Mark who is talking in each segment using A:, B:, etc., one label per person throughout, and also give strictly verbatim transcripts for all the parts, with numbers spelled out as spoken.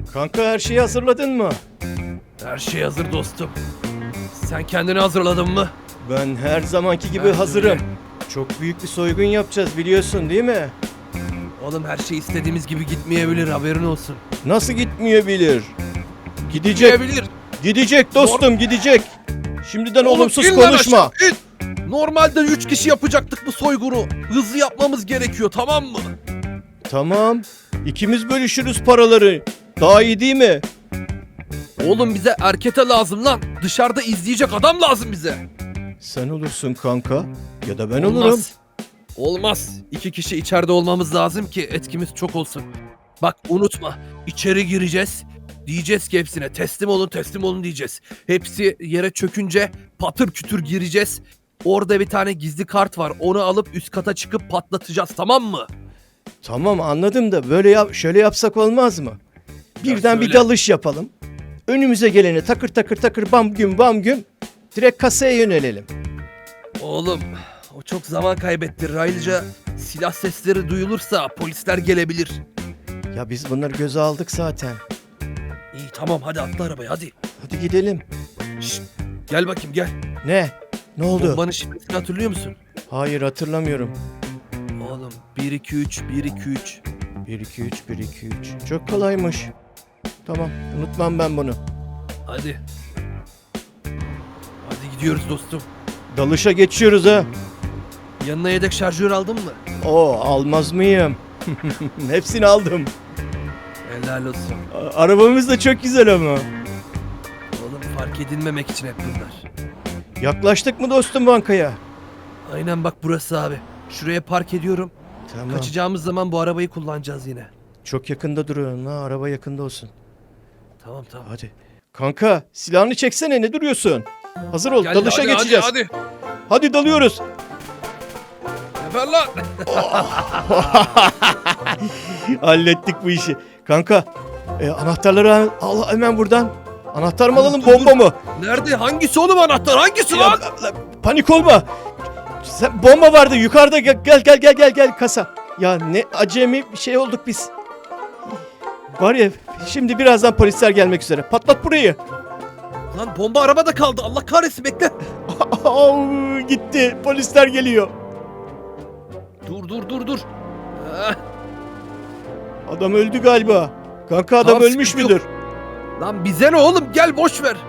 A: Kanka her şeyi hazırladın mı?
B: Her şey hazır dostum. Sen kendini hazırladın mı?
A: Ben her zamanki gibi
B: Ben de
A: hazırım.
B: öyle.
A: Çok büyük bir soygun yapacağız biliyorsun değil mi?
B: Oğlum her şey istediğimiz gibi gitmeyebilir, haberin olsun.
A: Nasıl gitmeyebilir? Gidecek.
B: Gitmeyebilir.
A: Gidecek dostum gidecek. Şimdiden
B: Oğlum,
A: olumsuz
B: in lan
A: konuşma.
B: aşağı, in. Normalde üç kişi yapacaktık bu soygunu. Hızlı yapmamız gerekiyor, tamam mı?
A: Tamam. İkimiz bölüşürüz paraları. Daha iyi değil mi?
B: Oğlum bize erkete lazım lan. Dışarıda izleyecek adam lazım bize.
A: Sen olursun kanka. Ya da ben
B: Olmaz.
A: olurum.
B: Olmaz. İki kişi içeride olmamız lazım ki etkimiz çok olsun. Bak unutma. İçeri gireceğiz. Diyeceğiz ki hepsine teslim olun teslim olun diyeceğiz. Hepsi yere çökünce patır kütür gireceğiz. Orada bir tane gizli kart var. Onu alıp üst kata çıkıp patlatacağız, tamam mı?
A: Tamam anladım da böyle yap şöyle yapsak olmaz mı? Birden bir
B: söyle.
A: dalış yapalım. Önümüze geleni takır takır takır bam güm bam güm. Direkt kasaya yönelelim.
B: Oğlum o çok zaman kaybettirir. Ayrıca silah sesleri duyulursa polisler gelebilir.
A: Ya biz bunları göze aldık zaten.
B: İyi tamam hadi atla arabaya hadi.
A: Hadi gidelim.
B: Şşt, gel bakayım gel.
A: Ne? Ne oldu?
B: Bombanın şifresini hatırlıyor musun?
A: Hayır hatırlamıyorum.
B: Oğlum bir iki üç bir iki üç.
A: bir iki üç bir iki üç. Çok kolaymış. Tamam unutmam ben bunu.
B: Hadi. Hadi gidiyoruz dostum.
A: Dalışa geçiyoruz ha.
B: Yanına yedek şarjör aldın mı?
A: Oo almaz mıyım? Hepsini aldım.
B: Helal olsun.
A: A- Arabamız da çok güzel ama.
B: Oğlum fark edilmemek için hep bunlar.
A: Yaklaştık mı dostum bankaya?
B: Aynen bak burası abi. Şuraya park ediyorum.
A: Tamam.
B: Kaçacağımız zaman bu arabayı kullanacağız yine.
A: Çok yakında duruyorsun ha. Araba yakında olsun.
B: Tamam tamam.
A: Hadi. Kanka silahını çeksene ne duruyorsun? Hazır ol
B: Gel,
A: dalışa
B: hadi,
A: geçeceğiz. Hadi,
B: Hadi hadi.
A: dalıyoruz.
B: Geber lan.
A: Hallettik bu işi. Kanka e, anahtarları al, al hemen buradan. Anahtar mı alalım
B: Dur,
A: bomba
B: dur.
A: mı?
B: Nerede? Hangisi oğlum anahtar? Hangisi
A: Ya,
B: lan?
A: la- panik olma. Sen, bomba vardı yukarıda gel gel gel gel gel gel kasa. Ya ne acemi bir şey olduk biz. Var ya şimdi birazdan polisler gelmek üzere. Patlat burayı.
B: Lan bomba arabada kaldı. Allah kahretsin bekle.
A: Au, gitti. Polisler geliyor.
B: Dur dur dur dur. Ah,
A: Adam öldü galiba. Kanka adam
B: Tamam,
A: ölmüş
B: sıkıntı
A: müdür?
B: lan bize ne oğlum? Gel boş ver.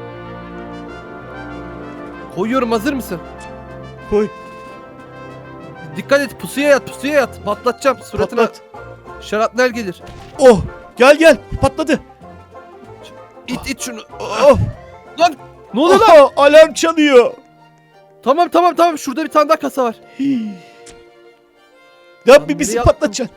B: Koyuyorum, hazır mısın?
A: Koy.
B: Dikkat et, pusuya yat pusuya yat. Patlatacağım suratına.
A: Patlat.
B: Şarapnel gelir.
A: Oh gel gel patladı.
B: İt it şunu.
A: Oh,
B: Lan ne oluyor lan?
A: oh, alarm çalıyor.
B: Tamam tamam tamam, şurada bir tane daha kasa var.
A: Hii. Ya
B: Lan
A: bir bizi
B: nereye attın?
A: patlatacaksın.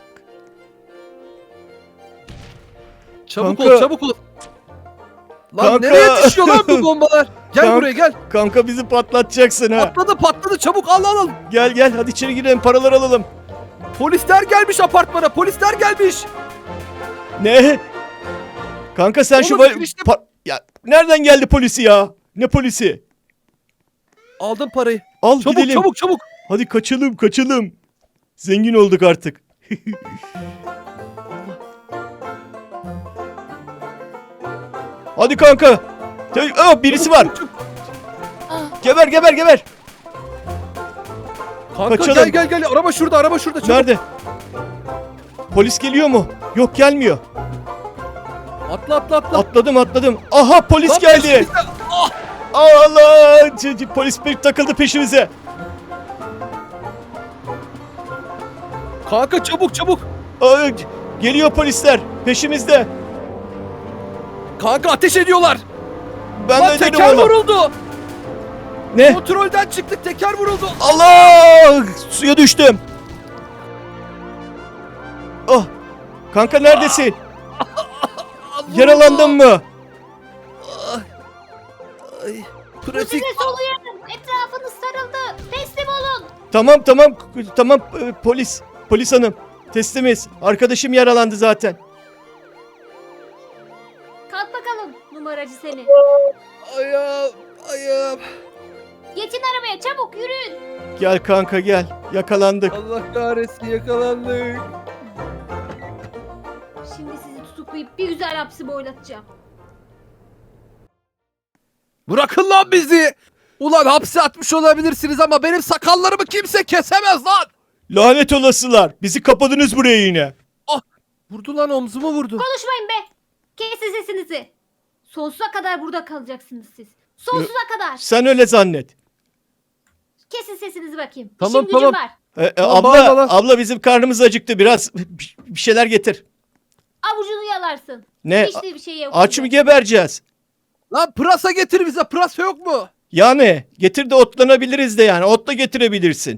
B: Çabuk
A: Kanka.
B: ol çabuk ol. Lan
A: Kanka.
B: nereye düşüyor lan bu bombalar? Gel
A: Kanka.
B: buraya gel.
A: Kanka bizi patlatacaksın ha.
B: Patladı patladı, çabuk al al al.
A: Gel gel hadi içeri girelim paraları alalım.
B: Polisler gelmiş apartmana, polisler gelmiş.
A: Ne? Kanka sen şu
B: Oğlum,
A: va-
B: işte-
A: pa- ya nereden geldi polisi ya? Ne polisi?
B: Aldım parayı.
A: Al
B: Çabuk
A: gidelim.
B: çabuk çabuk.
A: Hadi kaçalım kaçalım. Zengin olduk artık. Hadi kanka. Te- Aa, birisi
B: Çabuk,
A: var.
B: çabuk, çabuk.
A: Geber geber geber.
B: Kanka
A: Kaçalım.
B: gel gel gel, araba şurada araba şurada çabuk.
A: Nerede? Polis geliyor mu? Yok gelmiyor.
B: Atla atla atla.
A: Atladım atladım. Aha polis
B: Lan
A: geldi.
B: peşimizde. Ah!
A: Allah! C- c- Polis bir takıldı peşimize.
B: Kanka çabuk çabuk.
A: Aa, c- geliyor polisler peşimizde.
B: Kanka ateş ediyorlar.
A: Ben
B: Lan
A: de dedim
B: teker
A: ona.
B: vuruldu.
A: Ne?
B: Kontrolden çıktık, teker vuruldu.
A: Allah! Suya düştüm. Oh! Kanka neredesin?
B: Allah
A: Yaralandın mı?
B: Allah. Ay,
C: Bu
B: pratik.
C: size soluyorum. Etrafınız sarıldı. Teslim olun.
A: Tamam tamam tamam e, polis. Polis hanım. Teslimiz. Arkadaşım yaralandı zaten.
C: Kalk bakalım numaracı seni.
B: Ayağım, ayağım.
C: Geçin arabaya çabuk yürüyün.
A: Gel kanka gel. Yakalandık.
B: Allah kahretsin, yakalandık.
C: Şimdi sizi tutuklayıp Bir güzel hapsi boylatacağım.
B: Bırakın lan bizi. Ulan hapse atmış olabilirsiniz ama benim sakallarımı kimse kesemez lan.
A: Lanet olasılar. Bizi kapadınız buraya yine.
B: Vurdu lan, omzumu vurdu.
C: Konuşmayın be. Kesin sesinizi. Sonsuza kadar burada kalacaksınız siz. Sonsuza kadar.
A: Sen öyle zannet.
C: Kesin sesinizi bakayım.
B: Tamam,
C: İşim gücüm
B: tamam.
C: var.
A: E, e,
B: Tamam,
A: abla,
B: bağırma lan.
A: abla bizim karnımız acıktı. Biraz bir bir şeyler getir.
C: Avucunu yalarsın.
A: Ne?
C: Hiç de bir şey yok.
A: Aç mı gebereceğiz?
B: Lan pırasa getir bize. Pırasa yok mu?
A: Yani getir de otlanabiliriz de yani. Ot da getirebilirsin.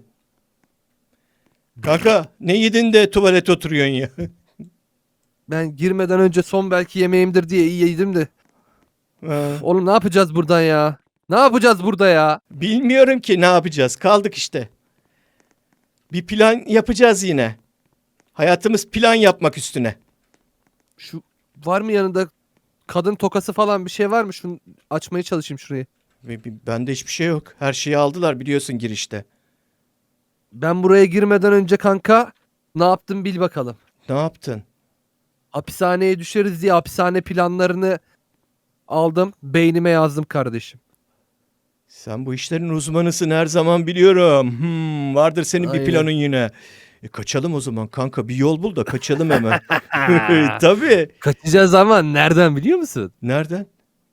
A: Kanka ne yedin de tuvalet oturuyorsun ya.
B: Ben girmeden önce son belki yemeğimdir diye iyi yedim de.
A: Ha,
B: Oğlum ne yapacağız buradan ya? Ne yapacağız burada ya?
A: bilmiyorum ki ne yapacağız. Kaldık işte. Bir plan yapacağız yine. Hayatımız plan yapmak üstüne.
B: Şu var mı yanında kadın tokası falan bir şey var mı? Şunu açmaya çalışayım şurayı.
A: Ve bi- Bende hiçbir şey yok. Her şeyi aldılar biliyorsun girişte.
B: Ben buraya girmeden önce kanka ne yaptım bil bakalım.
A: Ne yaptın?
B: Hapishaneye düşeriz diye hapishane planlarını aldım. Beynime yazdım kardeşim.
A: Sen bu işlerin uzmanısın her zaman biliyorum. Hmm, vardır senin bir
B: Aynen.
A: planın yine. E, kaçalım o zaman kanka. Bir yol bul da kaçalım hemen. Tabii.
B: Kaçacağız ama nereden biliyor musun?
A: Nereden?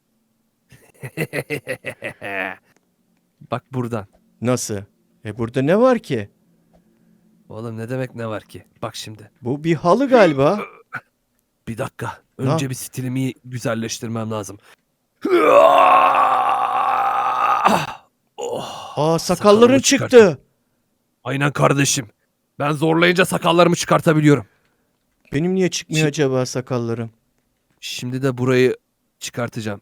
B: Bak buradan.
A: Nasıl? E burada ne var ki?
B: Oğlum ne demek ne var ki? Bak şimdi.
A: Bu bir halı galiba.
B: Bir dakika.
A: Ne
B: Önce
A: yap-
B: bir stilimi güzelleştirmem lazım. Oh,
A: Aa sakalların
B: sakalımı
A: çıktı.
B: çıkarttım. Aynen kardeşim. Ben zorlayınca sakallarımı çıkartabiliyorum.
A: Benim niye çıkmıyor
B: Şi-
A: acaba sakallarım?
B: Şimdi de burayı çıkartacağım.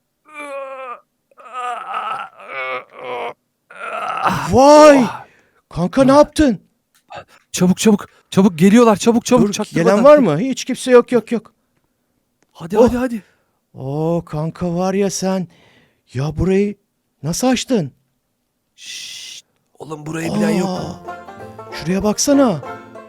A: Vay! Kanka ne yaptın?
B: Çabuk çabuk. Çabuk geliyorlar. Çabuk çabuk.
A: Dur,
B: çaktırmadan.
A: gelen var mı? Hiç kimse yok yok yok.
B: Hadi
A: Oh.
B: hadi hadi.
A: Oo kanka var ya sen. Ya burayı nasıl açtın?
B: Şşt. Oğlum burayı bilen yok mu?
A: Aa, şuraya baksana.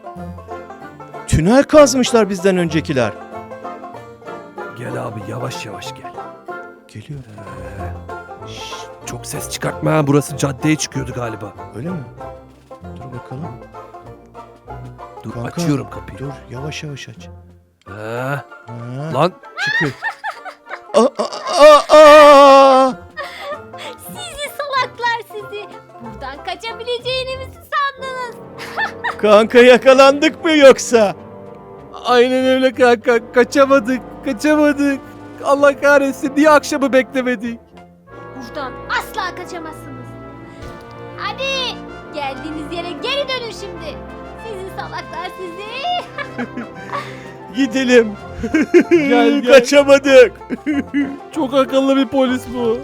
A: Tünel kazmışlar bizden öncekiler.
B: Gel abi yavaş yavaş gel.
A: Geliyor.
B: Şşt, çok ses çıkartma ha. Burası caddeye çıkıyordu galiba.
A: Öyle mi? Dur bakalım.
B: Dur
A: Kanka,
B: açıyorum kapıyı.
A: Dur yavaş yavaş aç.
B: Ha,
A: Ha,
B: lan
A: çıkıyor. Aa, aa, aa, aa!
C: Sizi salaklar sizi. Buradan kaçabileceğinizi sandınız.
A: Kanka yakalandık mı yoksa?
B: aynen öyle kanka. Kaçamadık. Kaçamadık. Allah kahretsin. Niye akşamı beklemedik?
C: Buradan asla kaçamazsınız. Hadi geldiğiniz yere geri dönün şimdi. Sizi salaklar sizi.
A: Gidelim.
B: Gel, gel.
A: Kaçamadık.
B: Çok akıllı bir polis bu.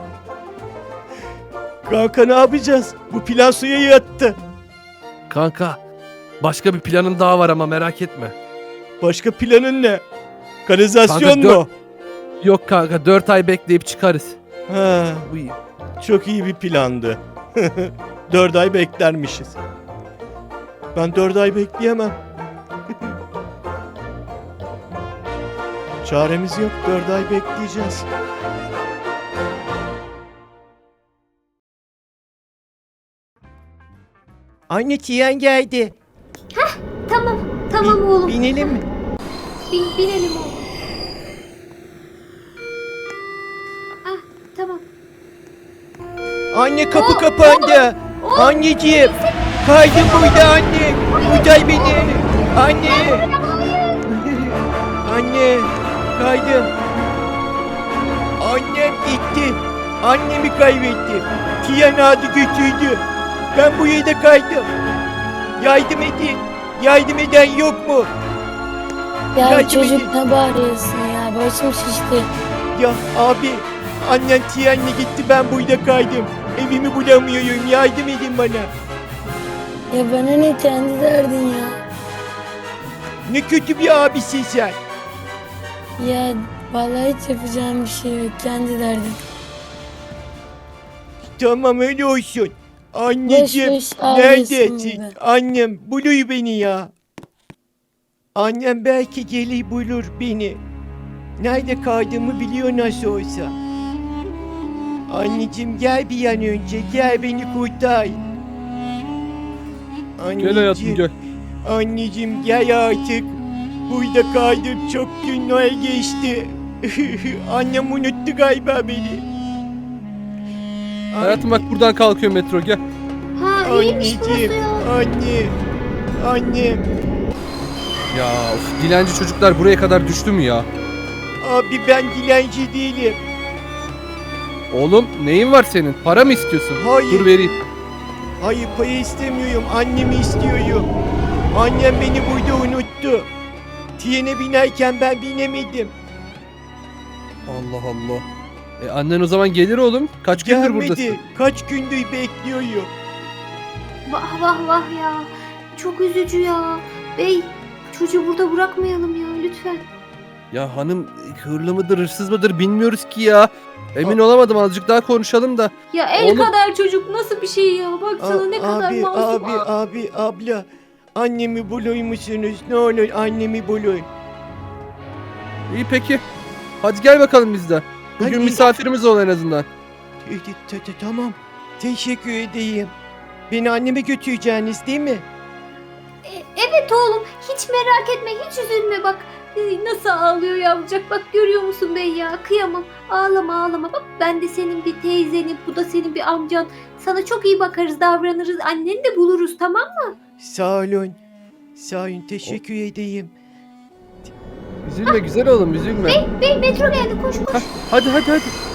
A: Kanka ne yapacağız? Bu plan suya yattı.
B: Kanka başka bir planın daha var ama merak etme.
A: Başka planın ne? Kanalizasyon
B: Kanka, dört-
A: mu?
B: Yok kanka dört ay bekleyip çıkarız.
A: Ha,
B: Bu iyi.
A: çok iyi bir plandı. Dört ay beklermişiz. Ben dört ay bekleyemem. Çaremiz yok. Dört ay bekleyeceğiz. Anne Tiyen geldi.
C: Tamam tamam oğlum.
A: Binelim mi?
C: Bin, binelim oğlum. Ah tamam.
A: Anne kapı
C: Oo,
A: kapandı.
C: oğlum,
A: Anneciğim. Kaydım burada anne. Kurtar beni. Anne. Anne. Kaydım. Annem gitti. Annemi kaybettim. Tiyan adı götürdü. Ben bu yerde kaydım. Yardım edin. Yardım eden yok mu?
D: Ya
A: Yardım
D: çocuk
A: edin.
D: ne bağırıyorsun ya? Başım şişti.
A: Ya abi. Annem Tiyan'la gitti. Ben burada kaydım. Evimi bulamıyorum. Yardım edin bana.
D: Ya bana ne kendi derdin ya?
A: Ne kötü bir abisin sen.
D: Ya vallahi hiç yapacağım bir şey yok. Kendi derdin.
A: Tamam öyle olsun. Anneciğim
D: Boş boş ağlıyorsun
A: neredesin?
D: be.
A: Annem buluyor beni ya. Annem belki gelir bulur beni. Nerede kaldığımı biliyor nasıl olsa. Anneciğim gel bir an önce. Gel beni kurtar.
B: Gel hayatım gel.
A: Anneciğim gel artık. Burada kaldım. Çok günler geçti. Annem unuttu galiba beni.
B: Hayatım bak buradan kalkıyor metro gel.
C: Ha iyiymiş burası
A: Anneciğim.
C: ya.
A: Anne. Annem.
B: Ya of, dilenci çocuklar buraya kadar düştü mü ya?
A: Abi ben dilenci değilim.
B: Oğlum neyin var senin? Para mı istiyorsun?
A: Hayır.
B: Dur vereyim.
A: Hayır para istemiyorum. Annemi istiyorum. Annem beni burada unuttu. Trene binerken ben binemedim.
B: Allah Allah. E annen o zaman gelir oğlum. Kaç gündür buradasın?
A: Gelmedi. Kaç gündür bekliyorum.
C: Vah vah vah ya. Çok üzücü ya. Bey çocuğu burada bırakmayalım ya lütfen.
B: Ya hanım hırlı mıdır hırsız mıdır bilmiyoruz ki ya. Emin olamadım azıcık daha konuşalım da.
C: Ya el
B: Oğlum-
C: kadar çocuk nasıl bir şey ya? Baksana
A: A-
C: ne kadar
A: abi,
C: masum.
A: abi, abi, abla. Annemi bulur musunuz? Ne olur annemi bulun.
B: İyi peki. Hadi gel bakalım biz de. Bugün
A: Hadi.
B: misafirimiz ol en azından.
A: E, t- t- Tamam. Teşekkür edeyim. Beni anneme götüreceğiniz değil mi?
C: E, evet oğlum hiç merak etme hiç üzülme bak. E, Nasıl ağlıyor yavrucak bak görüyor musun bey ya kıyamam. Ağlama ağlama bak ben de senin bir teyzenim bu da senin bir amcan. Sana çok iyi bakarız davranırız anneni de buluruz tamam mı?
A: Sağ olun. Sağ olun. Teşekkür edeyim.
B: Üzülme güzel oğlum üzülme.
C: Bey metro geldi koş koş.
B: Hadi hadi hadi.